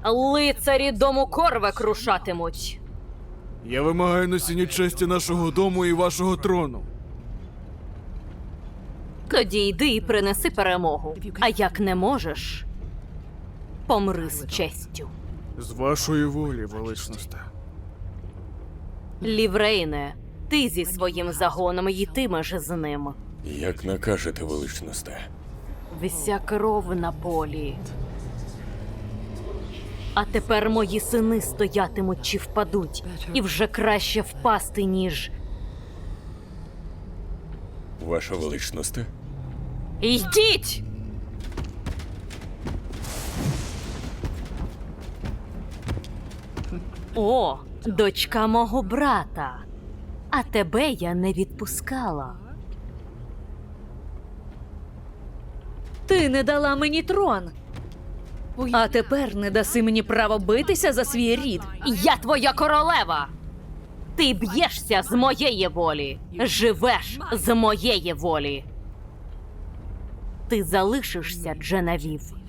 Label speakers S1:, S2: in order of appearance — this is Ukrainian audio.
S1: Лицарі дому Корве крушатимуть.
S2: Я вимагаю носіння честі нашого дому і вашого трону.
S1: Тоді йди і принеси перемогу. А як не можеш, помри з честю.
S2: З вашої волі, величносте.
S1: Ліврейне, ти зі своїм загоном йтимеш з ним.
S3: Як накажете, величносте.
S1: Вся кров на полі. А тепер мої сини стоятимуть чи впадуть. І вже краще впасти, ніж...
S3: Ваша величносте?
S1: Йдіть! О, дочка мого брата. А тебе я не відпускала.
S4: Ти не дала мені трон. А тепер не даси мені право битися за свій рід.
S1: Я твоя королева! Ти б'єшся з моєї волі, живеш з моєї волі. Ти залишишся, Дженевів,